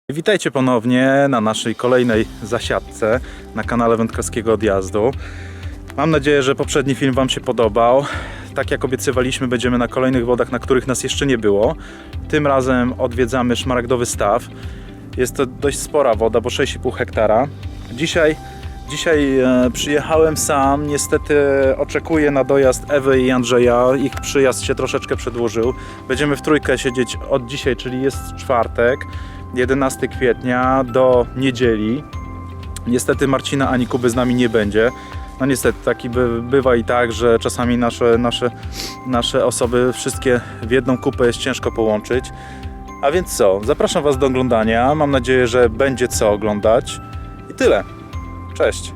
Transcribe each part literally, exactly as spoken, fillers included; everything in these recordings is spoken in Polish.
Witajcie ponownie na naszej kolejnej zasiadce na kanale Wędkarskiego Odjazdu. Mam nadzieję, że poprzedni film Wam się podobał. Tak jak obiecywaliśmy, będziemy na kolejnych wodach, na których nas jeszcze nie było. Tym razem odwiedzamy Szmaragdowy Staw. Jest to dość spora woda, bo sześć i pół hektara. Dzisiaj, dzisiaj e, przyjechałem sam. Niestety oczekuję na dojazd Ewy i Andrzeja. Ich przyjazd się troszeczkę przedłużył. Będziemy w trójkę siedzieć od dzisiaj, czyli jest czwartek, jedenastego kwietnia do niedzieli. Niestety Marcina ani Kuby z nami nie będzie. No niestety taki by, bywa i tak, że czasami nasze, nasze, nasze osoby wszystkie w jedną kupę jest ciężko połączyć. A więc co? Zapraszam Was do oglądania. Mam nadzieję, że będzie co oglądać. I tyle. Cześć.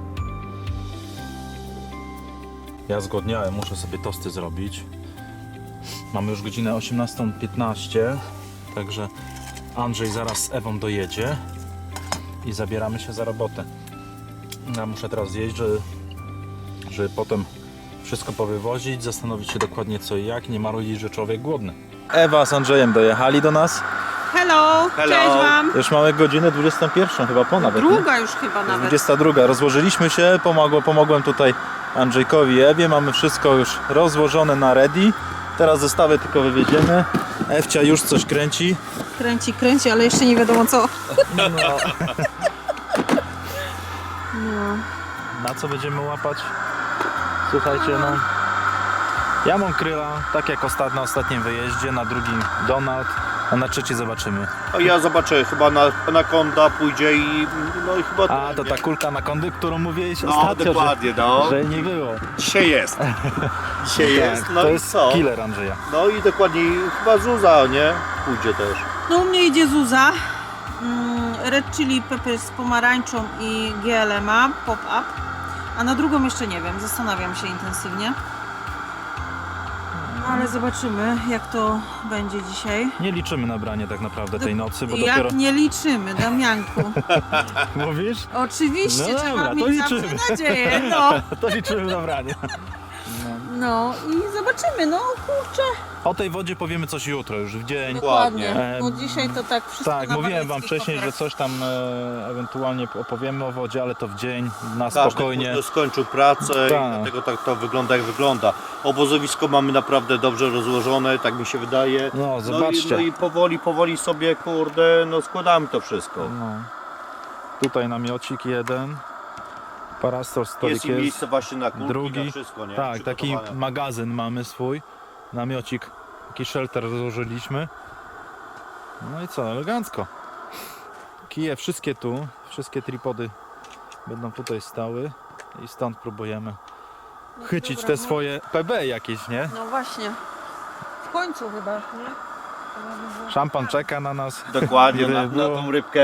Ja zgłodniałem, muszę sobie tosty zrobić. Mamy już godzinę osiemnastą piętnaście, także Andrzej zaraz z Ewą dojedzie i zabieramy się za robotę. Ja muszę teraz zjeść, żeby, żeby potem wszystko powywozić, zastanowić się dokładnie co i jak, nie marudzić, że człowiek głodny. Ewa z Andrzejem dojechali do nas. Hello, Hello. cześć Wam. Już mamy godzinę dwudziestą pierwszą chyba po nawet. Druga już chyba nawet. dwudziesta druga. Rozłożyliśmy się, pomogło, pomogłem tutaj Andrzejkowi i Ewie. Mamy wszystko już rozłożone na ready. Teraz zestawy tylko wywieziemy. Ewcia już coś kręci. Kręci, kręci, ale jeszcze nie wiadomo co. No. No. Na co będziemy łapać? Słuchajcie, no. Ja mam kryla, tak jak ostat, na ostatnim wyjeździe, na drugim Donald, a na trzeci zobaczymy. A ja zobaczę, chyba na Anaconda pójdzie i no i chyba... A, to ta kulka anakondy, którą mówiłeś No ostatnio, dokładnie, no. że, że nie było. Dzisiaj jest. Dzisiaj jest, Tak, no to i jest co? killer Andrzeja. No i dokładnie chyba Zuza, nie? Pójdzie też. No u mnie idzie Zuza. Mm, Red Chili Pepper z pomarańczą i G L M A, pop-up. A na drugą jeszcze nie wiem, zastanawiam się intensywnie. Ale zobaczymy jak to będzie dzisiaj. Nie liczymy na branie tak naprawdę tej nocy, bo Jak dopiero... nie liczymy, Damianku. Mówisz? Oczywiście No trzeba dobra, to mieć zawsze liczymy. nadzieję. No. To liczymy na branie. No i zobaczymy, no kurczę. O tej wodzie powiemy coś jutro, już w dzień. Dokładnie. E, No dzisiaj to tak wszystko Tak, na mówiłem Wam walizki wcześniej, że poprać. coś tam e, ewentualnie opowiemy o wodzie, ale to w dzień, na Każdy spokojnie. kurde skończył pracę Tak. i dlatego tak to wygląda jak wygląda. Obozowisko mamy naprawdę dobrze rozłożone, tak mi się wydaje. No, No i, zobaczcie. no i powoli, powoli sobie kurde, no składamy to wszystko. No. Tutaj namiocik jeden, parasol stolik Jest i jest, miejsce właśnie na kulki, drugi. na wszystko, nie? Tak, taki Przygotowane. magazyn mamy swój, namiocik, taki shelter rozłożyliśmy. No i co, elegancko. Kije wszystkie tu, wszystkie tripody będą tutaj stały i stąd próbujemy No chycić dobra, te no. swoje P B jakieś, nie? No właśnie. W końcu chyba, nie? Szampan czeka na nas. Dokładnie, Gdyby na, na było. tą rybkę.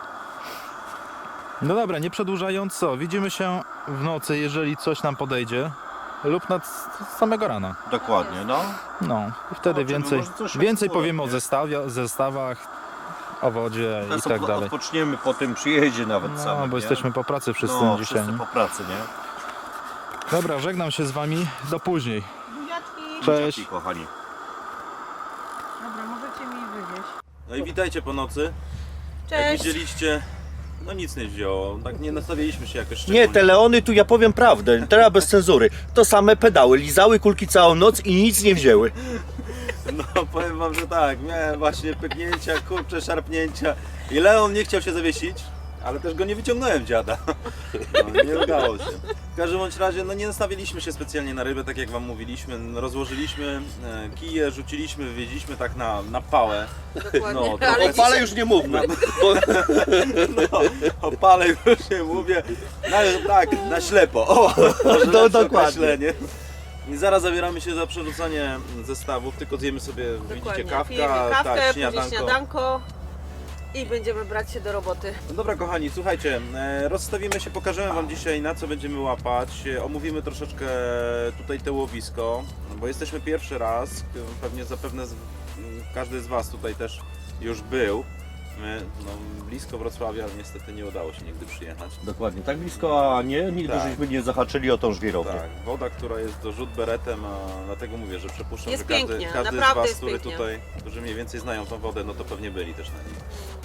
No dobra, nie przedłużając, co? Widzimy się w nocy, jeżeli coś nam podejdzie, lub nad z samego rana. Dokładnie, no. No i wtedy Zobaczymy, więcej, może coś więcej aktualnie. powiemy o zestawie, zestawach, o wodzie i Teraz tak odpo- dalej. odpoczniemy po tym przyjeździe nawet No, samym, bo nie? jesteśmy po pracy wszyscy no, dzisiaj. wszyscy nie? po pracy, nie? Dobra, żegnam się z Wami, do później. Buziaczki. Cześć. Dzięki, kochani. Dobra, możecie mi wywieźć. No i witajcie po nocy. Jak Cześć. widzieliście, no nic nie wzięło. Tak nie nastawialiśmy się jakoś szczególnie. Nie, te Leony tu ja powiem prawdę, teraz bez cenzury. To same pedały, lizały kulki całą noc i nic nie wzięły. No powiem wam, że tak, miałem właśnie pyknięcia, kurcze, szarpnięcia i Leon nie chciał się zawiesić, ale też go nie wyciągnąłem dziada. No, nie udało się. W każdym bądź razie, no nie nastawiliśmy się specjalnie na rybę, tak jak wam mówiliśmy. Rozłożyliśmy e, kije, rzuciliśmy, wywieźliśmy tak na, na pałę. Dokładnie. No, to Ale O pale już nie mówmy. No, o pale już nie mówię. Na, tak, na ślepo. O, może No, lepsze dokładnie. określenie. I zaraz zabieramy się za przerzucanie zestawów, tylko zjemy sobie, widzicie, kawka, Pijemy kawkę, tak, później śniadanko. śniadanko i będziemy brać się do roboty. No dobra kochani, słuchajcie, e, rozstawimy się, pokażemy wam dzisiaj na co będziemy łapać, e, omówimy troszeczkę tutaj te łowisko, bo jesteśmy pierwszy raz, pewnie zapewne z, m, każdy z was tutaj też już był. My, no, blisko Wrocławia, ale niestety nie udało się nigdy przyjechać. Dokładnie, tak blisko, a nie, nigdy Tak. żeśmy nie zahaczyli o tą żwirownię. Tak, woda, która jest do rzut beretem, a dlatego mówię, że przypuszczam, Jest że każdy, pięknie, każdy z naprawdę was, jest który pięknie. tutaj, którzy mniej więcej znają tą wodę, no to pewnie byli też na niej.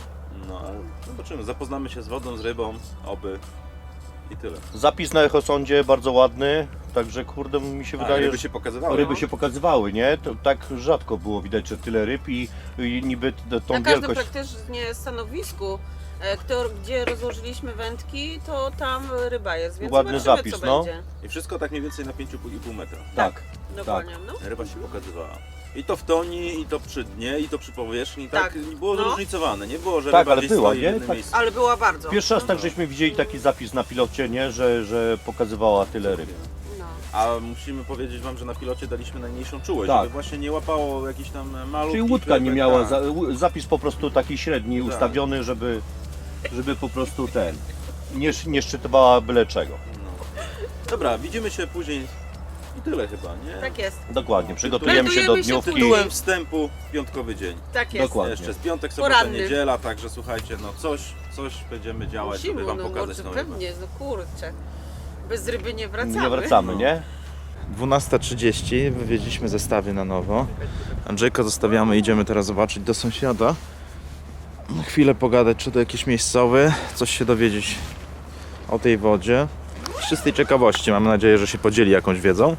No ale zobaczymy, zapoznamy się z wodą, z rybą, oby i tyle. Zapis na echosondzie bardzo ładny, także kurde mi się A, wydaje, ryby że się pokazywały. ryby się pokazywały, nie? To tak rzadko było widać, że tyle ryb i, i niby t- tą Na każdym wielkość. praktycznie stanowisku, e, kto, gdzie rozłożyliśmy wędki, to tam ryba jest, więc Ładny zobaczymy, zapis, co no. będzie. I wszystko tak mniej więcej na pięć i pół metra. Tak, Dokładnie, no. Ryba się pokazywała. I to w toni, i to przy dnie, i to przy powierzchni, tak, Tak. było No. zróżnicowane, nie było, że Tak, ryba ale gdzieś była, stoi nie? w jednym Tak. miejscu. Ale była bardzo. Pierwszy raz tak żeśmy widzieli taki zapis na pilocie, nie? Że, że pokazywała tyle ryb. No. A musimy powiedzieć wam, że na pilocie daliśmy najmniejszą czułość, Tak. żeby właśnie nie łapało jakichś tam malutkich Czyli łódka nie rybek, miała, tak. za, u- zapis po prostu taki średni Tak. ustawiony, żeby, żeby po prostu ten, nie, sz- nie szczytowała byle czego. No. Dobra, widzimy się później i tyle chyba, nie? Tak jest, Dokładnie, przygotujemy się do Meldujemy się dniówki. Tytułem wstępu piątkowy dzień. tak jest. Dokładnie. Jeszcze jest piątek, sobota, Poranny. niedziela, także słuchajcie, no coś, coś będziemy działać, Musimy, żeby wam no pokazać może tą rybę. pewnie, no kurczę. Bez ryby nie wracamy. Nie wracamy, nie? dwunasta trzydzieści, wywieźliśmy zestawy na nowo. Andrzejka zostawiamy, idziemy teraz zobaczyć do sąsiada. Na chwilę pogadać, czy to jakiś miejscowy, coś się dowiedzieć o tej wodzie. Z czystej ciekawości, mam nadzieję, że się podzieli jakąś wiedzą.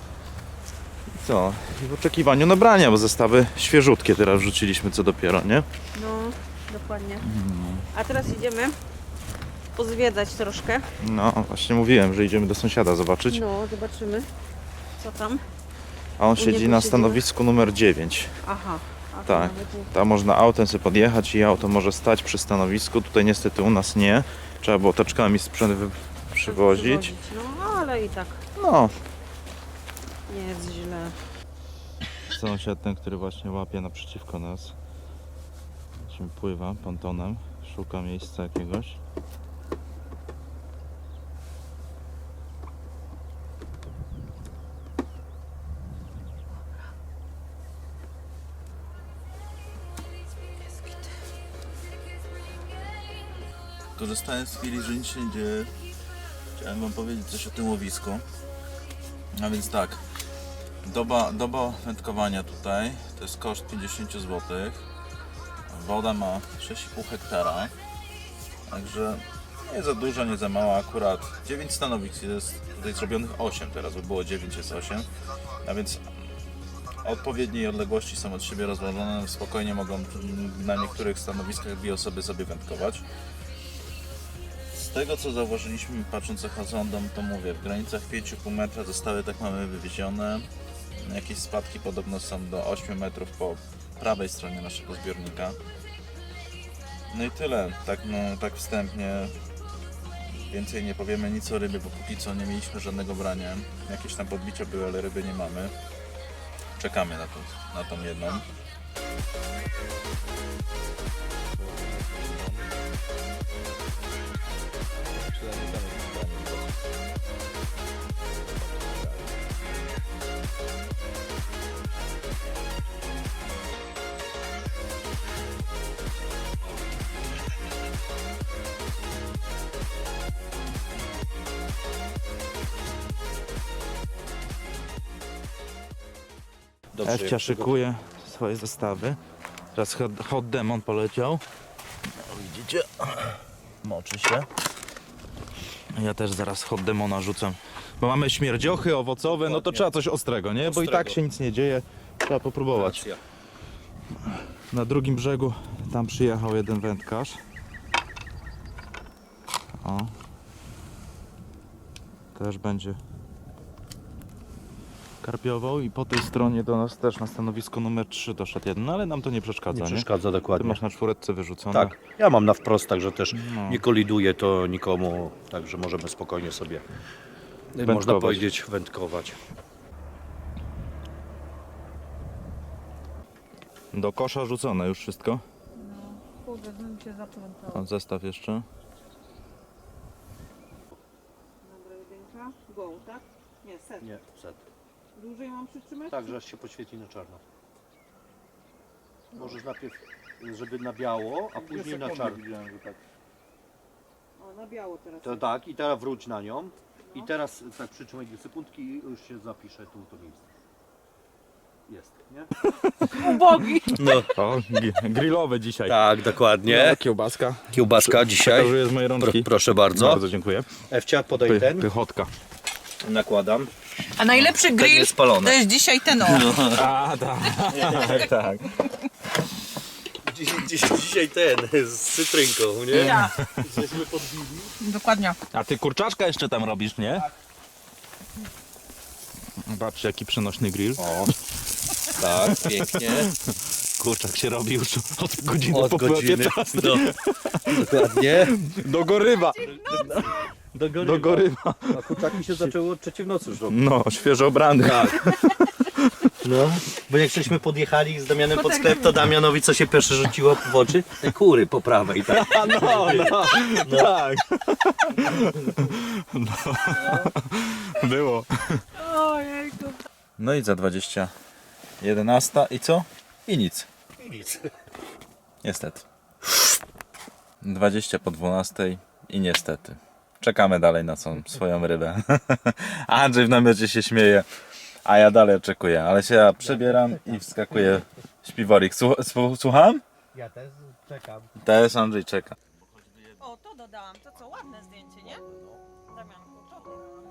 I co? I w oczekiwaniu nabrania, bo zestawy świeżutkie teraz wrzuciliśmy, co dopiero, nie? No, dokładnie. A teraz idziemy pozwiedzać troszkę. No, właśnie mówiłem, że idziemy do sąsiada zobaczyć. No, zobaczymy, co tam. A on U siedzi niego na siedzimy. stanowisku numer dziewięć. Aha. A to Tak. nawet nie- Tam można autem sobie podjechać i auto może stać przy stanowisku. Tutaj niestety u nas nie. Trzeba było taczkami sprzęt wy- przywozić. No, ale i tak No, nie jest źle. sąsiad ten, który właśnie łapie naprzeciwko nas. Właśnie pływa pontonem, szuka miejsca jakiegoś. Korzystając z chwili, że nic się nie dzieje, chciałem wam powiedzieć coś o tym łowisku. A więc tak, doba, doba wędkowania tutaj to jest koszt pięćdziesiąt złotych. Woda ma sześć i pół hektara, także nie za dużo, nie za mało, akurat dziewięć stanowisk, jest tutaj zrobionych osiem, teraz by było dziewięć, jest osiem, a więc odpowiedniej odległości są od siebie rozłożone, spokojnie mogą na niektórych stanowiskach dwie osoby sobie wędkować. Z tego co zauważyliśmy, patrząc echosondą, to mówię, w granicach pięć i pół metra zostały, tak mamy wywiezione. Jakieś spadki podobno są do ośmiu metrów po prawej stronie naszego zbiornika. No i tyle, tak, no, tak wstępnie. Więcej nie powiemy nic o rybie, bo póki co nie mieliśmy żadnego brania. Jakieś tam podbicia były, ale ryby nie mamy. Czekamy na, tą, na tą jedną. Dobrze, Ewcia jak szykuje swoje zestawy. Teraz hot, hot demon poleciał. O, widzicie? Moczy się. Ja też zaraz hot demona rzucam. Bo mamy śmierdziochy owocowe, no to Dokładnie. trzeba coś ostrego, nie? Bo i tak Ostrego. się nic nie dzieje. Trzeba popróbować. Racja. Na drugim brzegu tam przyjechał jeden wędkarz. O. Też będzie karpiował i po tej stronie do nas też na stanowisko numer trzy doszedł jeden, no ale nam to nie przeszkadza, Nie nie? przeszkadza Ty dokładnie. masz na czwóreczce wyrzucone. Tak, ja mam na wprost, także też No. nie koliduje to nikomu, także możemy spokojnie sobie, Wędkować. można powiedzieć, wędkować. Do kosza rzucone już wszystko. Kurde, bym się zaplątał. O, zestaw jeszcze. Dobra, jedynka. Go, tak? Nie, set. Nie, set. Dłużej mam przytrzymać? Tak, że aż się poświeci na czarno. Możesz najpierw, żeby na biało, a później na czarno. O, na biało teraz. To tak, i teraz wróć na nią. I teraz tak przytrzymaj dwie sekundki i już się zapisze tu to miejsce. jest, nie? Ubogi. No, O, gi- grillowe dzisiaj. tak, dokładnie. No, kiełbaska. Kiełbaska dzisiaj. Przekazuję z mojej Pro, rączki. proszę bardzo. Bardzo dziękuję. Ewcia, podaj Py, ten. pychotka. Nakładam. A najlepszy grill jest spalone. to jest dzisiaj ten o. A, tak, tak. Dziś, dziś, dzisiaj ten, z cytrynką, nie? Ja. Jesteśmy podbili. Dokładnie. A ty kurczaczka jeszcze tam robisz, nie? Patrzcie, jaki przenośny grill. O, tak, pięknie. Kurczak się robi już od godziny Od po godziny. piętnastej. No, dokładnie. Do gorywa. Do gorywa. Do gorywa. A kurczaki się zaczęły od trzeciej w nocy już robić. No, świeżo obrany. Tak. No, bo jak żeśmy podjechali z Damianem pod sklep, to Damianowi co się pierwsze rzuciło w oczy? Te kury po prawej, tak? A no, no, no. Tak. No. Było. Ojejku. No i za dwadzieścia jedenasta i co? I nic. I nic. Niestety. dwadzieścia po dwunastej i niestety. Czekamy dalej na tą swoją rybę. Andrzej w namiocie się śmieje, a ja dalej oczekuję. Ale się ja przebieram i wskakuje śpiworik. Słu- słu- Słucham? Ja też czekam. Też Andrzej czeka. O, to dodałam. To co, ładne zdjęcie, nie? Damianku, to dodałam.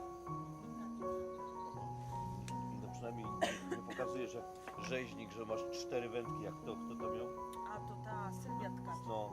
No przynajmniej nie pokazuje, że rzeźnik, że masz cztery wędki, jak to, kto to miał? A to ta Sylwia Tkacz. No.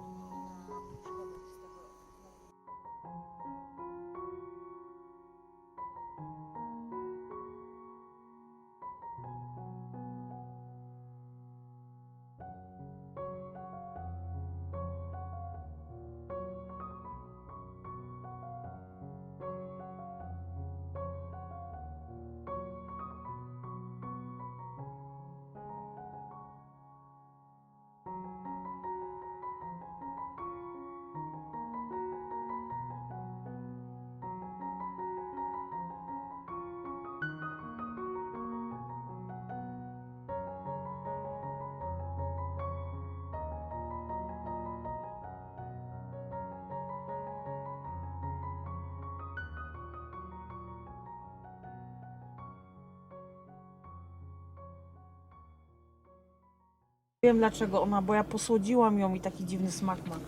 Wiem dlaczego ona, bo ja posłodziłam ją i taki dziwny smak ma.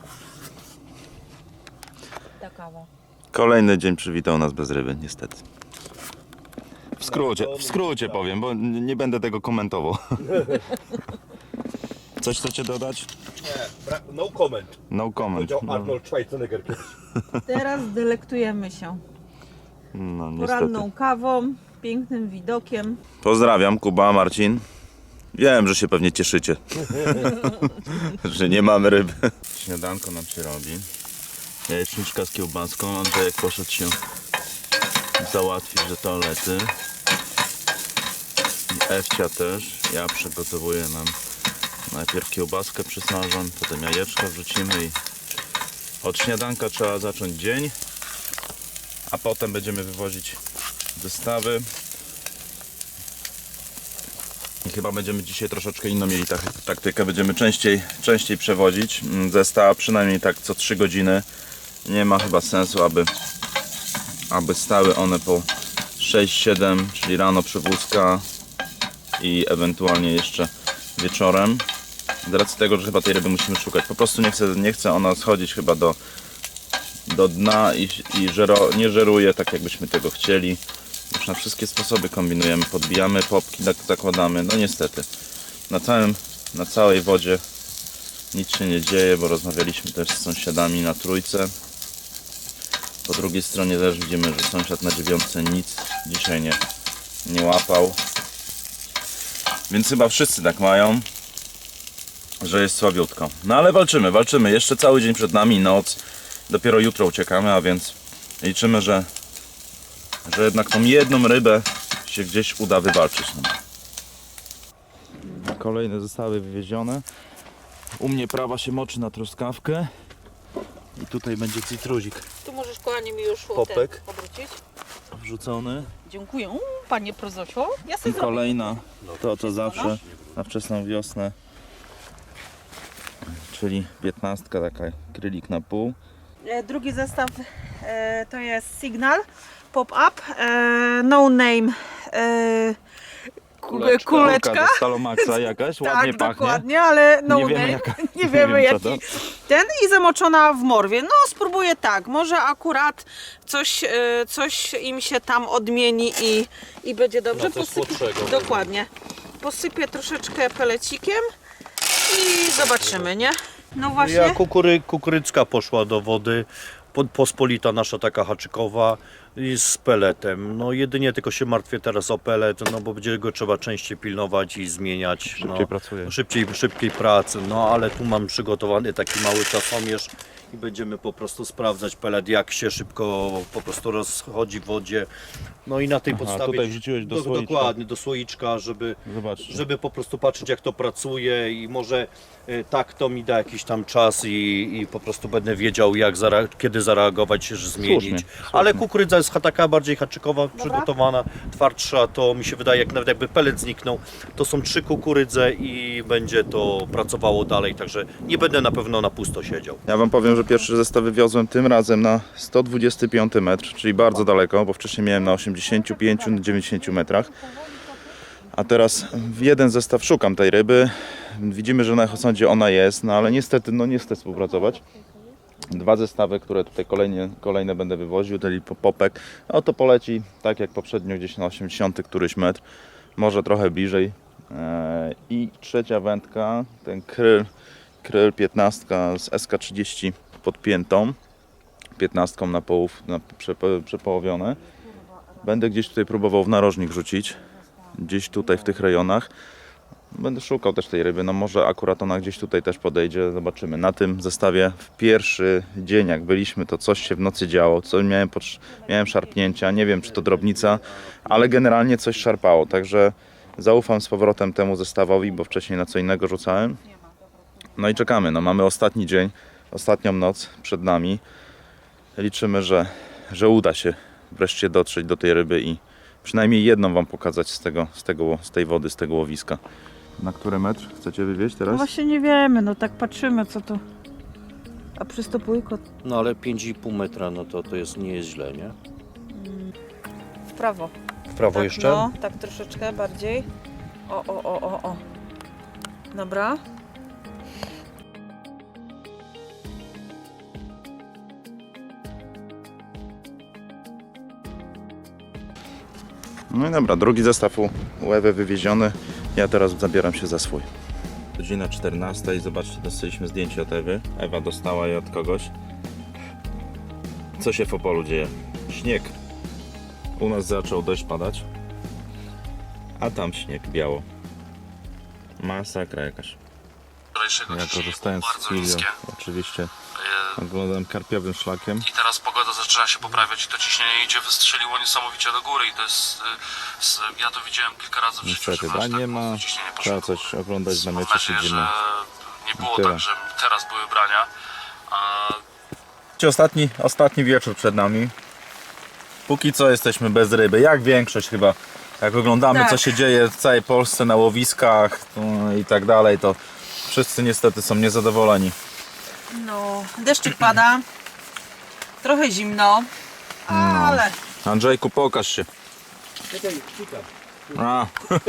Ta kawa. Kolejny dzień przywitał nas bez ryby, niestety. W skrócie, w skrócie powiem, bo n- nie będę tego komentował. Coś chcecie dodać? Nie, bra- no comment. No comment. Powiedział No, Arnold Schwarzenegger kiedyś. Teraz delektujemy się no niestety. poranną kawą, pięknym widokiem. Pozdrawiam, Kuba, Marcin. Wiem, że się pewnie cieszycie, że nie mamy ryby. Śniadanko nam się robi. Jajeczniczka z kiełbaską. Andrzejek poszedł się załatwić do toalety. Ewcia też. Ja przygotowuję nam najpierw kiełbaskę przysmażą, potem jajeczka wrzucimy i od śniadanka trzeba zacząć dzień, a potem będziemy wywozić zestawy. I chyba będziemy dzisiaj troszeczkę inną mieli tak, taktykę. Będziemy częściej, częściej przewozić zestaw, przynajmniej tak co trzy godziny. Nie ma chyba sensu, aby, aby stały one po sześć siedem, czyli rano przywózka i ewentualnie jeszcze wieczorem. Z racji tego, że chyba tej ryby musimy szukać. Po prostu nie chce, nie chce ona schodzić chyba do, do dna i, i żero, nie żeruje tak, jakbyśmy tego chcieli. Już na wszystkie sposoby kombinujemy, podbijamy popki, tak zakładamy, no niestety na całym, na całej wodzie nic się nie dzieje, bo rozmawialiśmy też z sąsiadami na trójce. Po drugiej stronie też widzimy, że sąsiad na dziewiątce nic dzisiaj nie, nie łapał, więc chyba wszyscy tak mają, że jest słabiutko. No ale walczymy, walczymy, jeszcze cały dzień przed nami, noc, dopiero jutro uciekamy, a więc liczymy, że że jednak tą jedną rybę się gdzieś uda wywalczyć. Kolejne zestawy wywiezione. U mnie prawa się moczy na truskawkę. I tutaj będzie cytruzik Tu możesz, kochanie, mi już Popek. ten obrócić. wrzucony. Dziękuję, panie prozosio. Ja I sobie zrobię. kolejna, to co zawsze na wczesną wiosnę. Czyli piętnastka, taka krylik na pół. E, Drugi zestaw e, to jest Signal Pop-Up e, No Name e, kuleczka, kuleczka. Kulka ze Stalomaxa jakaś, ładnie Tak, pachnie. dokładnie, ale no Nie wiemy, name, jaka- nie nie wiemy wiem, co jaki. to. Ten i zamoczona w morwie. No spróbuję tak, może akurat coś, e, coś im się tam odmieni i, i będzie dobrze. No, coś słodszego. Dokładnie. Posypię troszeczkę pelecikiem i zobaczymy, nie? No właśnie. Ja kukury, kukurycka poszła do wody, po- pospolita nasza taka haczykowa i z peletem. No jedynie tylko się martwię teraz o pelet, no bo będzie go trzeba częściej pilnować i zmieniać. Szybciej no, pracuje. Szybciej, szybkiej pracy, no ale tu mam przygotowany taki mały czasomierz i będziemy po prostu sprawdzać pelet, jak się szybko po prostu rozchodzi w wodzie. No i na tej Aha, podstawie... tutaj wrzuciłeś do do, słoiczka. Dokładnie, do słoiczka, żeby, Zobacz. żeby po prostu patrzeć, jak to pracuje i może y, tak to mi da jakiś tam czas i, i po prostu będę wiedział, jak zare- kiedy zareagować, że zmienić. Słusznie, Ale słusznie. kukurydza jest taka bardziej haczykowa, przygotowana, twardsza, to mi się wydaje, jak nawet jakby pelet zniknął, to są trzy kukurydze i będzie to pracowało dalej, także nie będę na pewno na pusto siedział. Ja wam powiem, że pierwszy zestaw wywiozłem tym razem na sto dwudziesty piąty metr, czyli bardzo daleko, bo wcześniej miałem na osiemdziesięciu pięciu do dziewięćdziesięciu metrach. A teraz w jeden zestaw szukam tej ryby. Widzimy, że na Echosądzie ona jest, no ale niestety no nie chcę współpracować. Dwa zestawy, które tutaj kolejne, kolejne będę wywoził, czyli popek, no to poleci tak jak poprzednio gdzieś na osiemdziesiąty któryś metr, może trochę bliżej. Eee, I trzecia wędka, ten kryl, kryl piętnastka z S K trzydzieści podpiętą, piętnastką na połów, na przepo, przepołowione. Będę gdzieś tutaj próbował w narożnik rzucić, gdzieś tutaj w tych rejonach. Będę szukał też tej ryby, no może akurat ona gdzieś tutaj też podejdzie, zobaczymy. Na tym zestawie w pierwszy dzień jak byliśmy, to coś się w nocy działo, co miałem, potrz- miałem szarpnięcia, nie wiem czy to drobnica, ale generalnie coś szarpało, także zaufam z powrotem temu zestawowi, bo wcześniej na co innego rzucałem. No i czekamy, no mamy ostatni dzień, ostatnią noc przed nami. Liczymy, że, że uda się wreszcie dotrzeć do tej ryby i przynajmniej jedną wam pokazać z, tego, z, tego, z tej wody, z tego łowiska. Na który metr chcecie wywieźć teraz? No właśnie nie wiemy, no tak patrzymy co to. A przystopujko No ale pięć i pół metra, no to, to jest, nie jest źle, nie? w prawo. W prawo Tak, jeszcze? no, tak troszeczkę bardziej. O, o, o, o, o. Dobra. No i dobra, drugi zestaw u u Ewy wywieziony. Ja teraz zabieram się za swój. Godzina czternasta i zobaczcie, dostaliśmy zdjęcie od Ewy. Ewa dostała je od kogoś. Co się w Opolu dzieje? Śnieg. U nas zaczął deszcz padać, a tam śnieg biało. Masakra jakaś. Wczorajszego Ja dzisiaj korzystając było z bardzo chwili, niskie. oczywiście E, oglądam karpiowym szlakiem. I teraz pogoda zaczyna się poprawiać i to ciśnienie idzie, wystrzeliło niesamowicie do góry i to jest, e, s- ja to widziałem kilka razy w życiu, Niestety, że da aż nie tak ma. mocno ciśnienie poszło Trzeba do góry. coś oglądać na Mam mecie, nadzieję, siedzimy. że nie było Tyle. tak, że teraz były brania. A Ostatni, ostatni wieczór przed nami. Póki co jesteśmy bez ryby, jak większość chyba. Jak oglądamy Tak. co się dzieje w całej Polsce na łowiskach no i tak dalej, to wszyscy niestety są niezadowoleni. No, deszczyk pada. Trochę zimno. Ale. Andrzejku, pokaż się. A.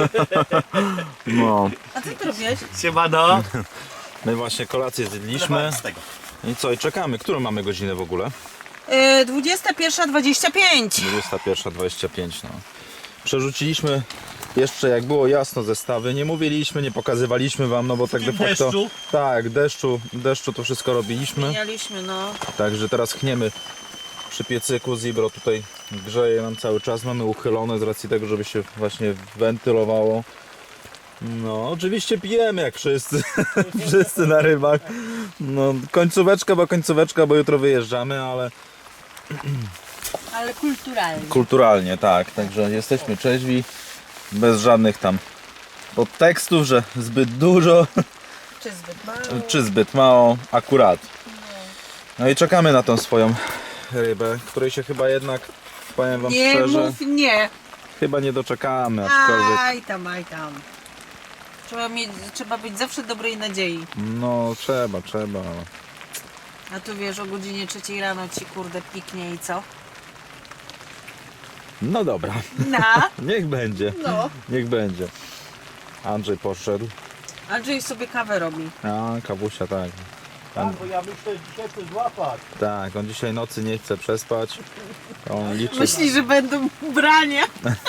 No, A co ty robiłeś? Siemano! my właśnie kolację zjedliśmy. Z tego. I co, i czekamy. Którą mamy godzinę w ogóle? Yy, dwudziesta pierwsza dwadzieścia pięć. dwudziesta pierwsza dwadzieścia pięć. No. Przerzuciliśmy jeszcze jak było jasno zestawy. Nie mówiliśmy, nie pokazywaliśmy wam, no bo tak de facto. deszczu? Tak, deszczu, deszczu to wszystko robiliśmy. Mieliśmy, no. Także teraz chniemy przy piecyku. Zibro tutaj grzeje nam cały czas. Mamy uchylone z racji tego, żeby się właśnie wentylowało. No, oczywiście pijemy jak wszyscy. Wszyscy na rybach. No, końcóweczka, bo końcóweczka, bo jutro wyjeżdżamy, ale Ale kulturalnie. kulturalnie, tak. Także jesteśmy trzeźwi, bez żadnych tam podtekstów, że zbyt dużo, Czy zbyt mało? czy zbyt mało, akurat. No i czekamy na tą swoją rybę, której się chyba jednak, powiem wam Nie szczerze, mów nie. chyba nie doczekamy, aczkolwiek Aj tam, aj tam. Trzeba, mieć, trzeba być zawsze dobrej nadziei. no trzeba, trzeba, ale A tu wiesz, o godzinie trzeciej rano ci kurde piknie i co? No dobra, Na. niech będzie, No. niech będzie. Andrzej poszedł. Andrzej sobie kawę robi. A, kawusia, tak. Tak, bo ja myślę, że dzisiaj chcę złapać. Tak, on dzisiaj nocy nie chce przespać. On liczy, Myśli, że będą brania.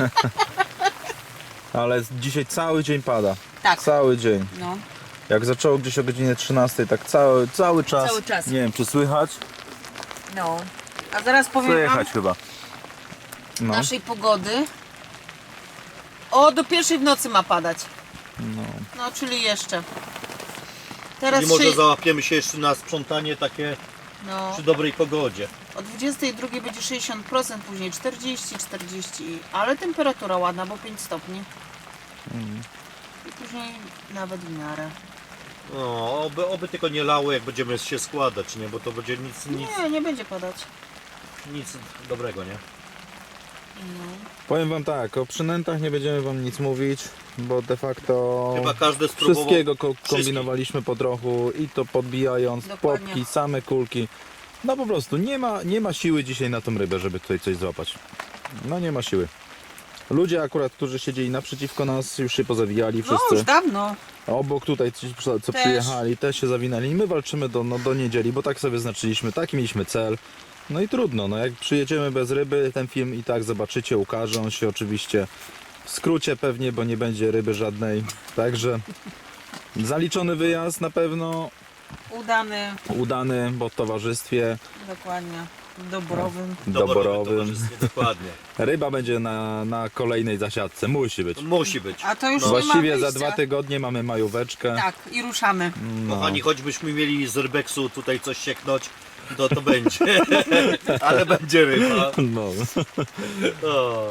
ale dzisiaj cały dzień pada. Tak. Cały dzień. No. Jak zaczęło gdzieś o godzinie trzynastej, tak cały, cały czas. Cały czas. Nie wiem, czy słychać? No. A zaraz powiem wam Słychać chyba. No. naszej pogody. O, do pierwszej w nocy ma padać. No. No, czyli jeszcze. Teraz I może trzy... załapiemy się jeszcze na sprzątanie takie no, przy dobrej pogodzie. o dwudziestej drugiej będzie sześćdziesiąt procent, później czterdzieści, czterdzieści, ale temperatura ładna, bo pięć stopni. Mm. I później nawet w miarę. No, oby, oby tylko nie lało, jak będziemy się składać, nie? Bo to będzie nic, nic, Nie, nie będzie padać. nic dobrego, nie? Powiem wam tak, o przynętach nie będziemy wam nic mówić, bo de facto Chyba każdy spróbował. wszystkiego ko- kombinowaliśmy po trochu i to podbijając, Dokładnie. popki, same kulki. No po prostu nie ma, nie ma siły dzisiaj na tą rybę, żeby tutaj coś złapać. No nie ma siły. Ludzie akurat, którzy siedzieli naprzeciwko nas, już się pozawijali No, wszyscy. już dawno. Obok tutaj ci, co Też. przyjechali, też się zawinęli. My walczymy do, no, do niedzieli, bo tak sobie znaczyliśmy, taki mieliśmy cel. No i trudno, no jak przyjedziemy bez ryby, ten film i tak zobaczycie, ukaże on się oczywiście w skrócie pewnie, bo nie będzie ryby żadnej. Także zaliczony wyjazd na pewno, Udany. udany, bo w towarzystwie Dokładnie. Doborowym. doborowym. towarzystwie, dokładnie. Ryba będzie na, na kolejnej zasiadce, musi być. Musi być. A to już nie Właściwie ma za wyjścia. dwa tygodnie mamy majóweczkę. Tak, i ruszamy. No. Kochani, choćbyśmy mieli z rybeksu tutaj coś sieknąć, to to będzie. Ale będzie ryba. No. O.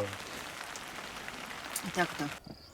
I tak to.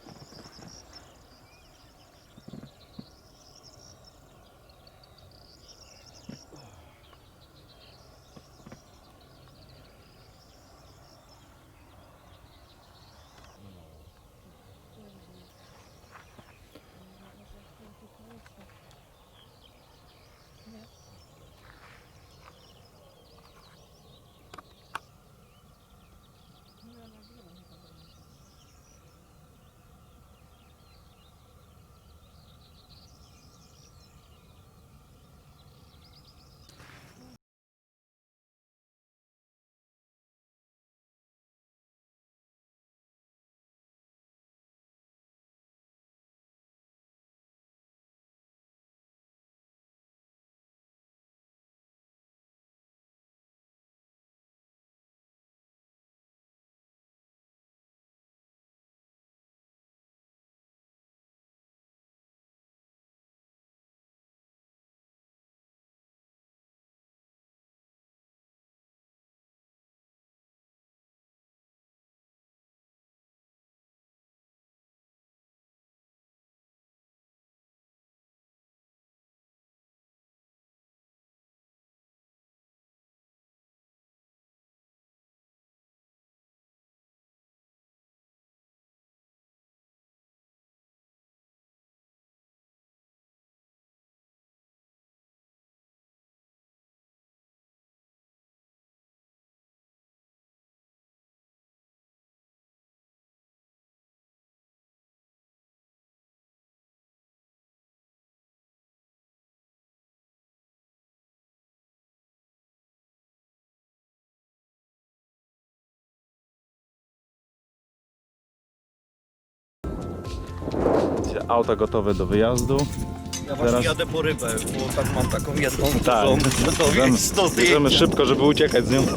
Auta gotowe do wyjazdu. Ja właśnie Teraz- jadę po rybę, bo tak mam taką jedną Tak. dużą, to Bierzemy, więc do bierzemy zdjęcia. szybko, żeby uciekać z nią.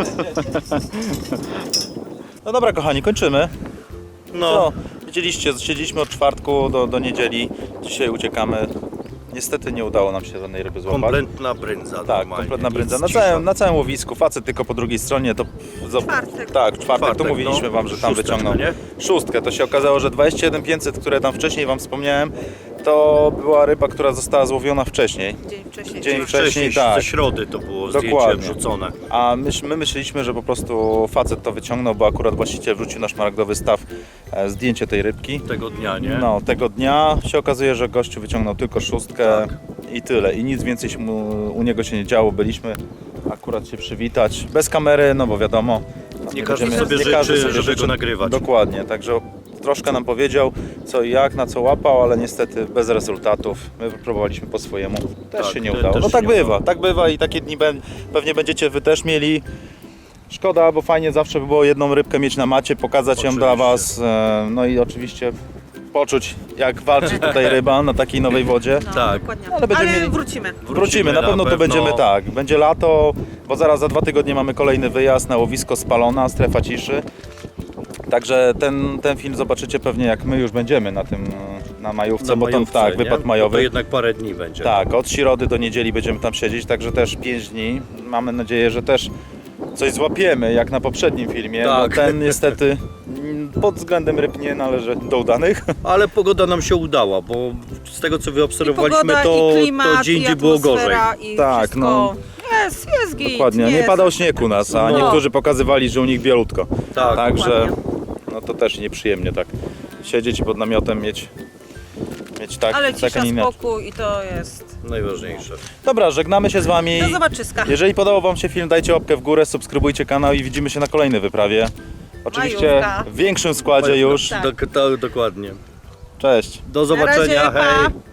No dobra kochani, kończymy. No, Co? Widzieliście, siedzieliśmy od czwartku do, do niedzieli. Dzisiaj uciekamy. Niestety nie udało nam się żadnej ryby złapać. kompletna brędza. Tak, normalnie, kompletna brędza. nic Na cisza. całym, na całym łowisku, facet tylko po drugiej stronie to... za- Czwartek. Tak, w czwartek, to Czwartek, mówiliśmy no. wam, że tam Szósteczka, wyciągnął nie? szóstkę. To się okazało, że dwadzieścia jeden pięćset, które tam wcześniej wam wspomniałem, to była ryba, która została złowiona wcześniej. Dzień wcześniej. Dzień Wcześniej, wcześniej, tak. ze środy to było zdjęcie Dokładnie. wrzucone. A my, my myśleliśmy, że po prostu facet to wyciągnął, bo akurat właściciel wrzucił na szmaragdowy staw e, zdjęcie tej rybki. Tego dnia, nie? No, tego dnia się okazuje, że gościu wyciągnął tylko szóstkę Tak. i tyle. I nic więcej się mu, u niego się nie działo. Byliśmy akurat się przywitać. Bez kamery, no bo wiadomo, Nie każdy będziemy- sobie nie życzy, każdy sobie żeby życzy. go nagrywać. Dokładnie, także troszkę nam powiedział co i jak, na co łapał, ale niestety bez rezultatów. My próbowaliśmy po swojemu, też Tak, się nie te- udało. też No się tak nie bywa, udało. tak bywa i takie dni be- pewnie będziecie wy też mieli. Szkoda, bo fajnie zawsze by było jedną rybkę mieć na macie, pokazać ją dla Oczywiście. Was, e, no i oczywiście poczuć jak walczy tutaj ryba na takiej nowej wodzie. No, Tak. dokładnie. Ale będziemy mieli- wrócimy. Wrócimy, na pewno tu będziemy tak. Będzie lato, bo zaraz za dwa tygodnie mamy kolejny wyjazd na łowisko Spalona, strefa ciszy. Także ten, ten film zobaczycie pewnie jak my już będziemy na tym, na majówce, Na bo tam majówce, tak, nie? wypad Bo majowy. to jednak parę dni będzie. Tak, od środy do niedzieli będziemy tam siedzieć, także też pięć dni. Mamy nadzieję, że też coś złapiemy, jak na poprzednim filmie, Tak. bo ten niestety mm, pod względem ryb nie należy do udanych. Ale pogoda nam się udała, bo z tego co I wyobserwowaliśmy, pogoda, to, i klimat, to dzień i indziej było gorzej. atmosfera, I Tak, wszystko. no. Jest, jest git. Dokładnie, nie jest. padał śnieg u nas, a No. niektórzy pokazywali, że u nich bielutko. Tak, Także dokładnie. no to też nieprzyjemnie tak siedzieć i pod namiotem mieć, mieć tak, Ale tak a cisza, nie inaczej. spokój i to jest. Najważniejsze. Dobra, żegnamy się z Wami. Do zobaczyska. Jeżeli podobał Wam się film, dajcie łapkę w górę, subskrybujcie kanał i widzimy się na kolejnej wyprawie. Oczywiście Majówka. w większym składzie już. Tak. Dok- to, dokładnie. Cześć. Do zobaczenia, Na razie, hej! pa.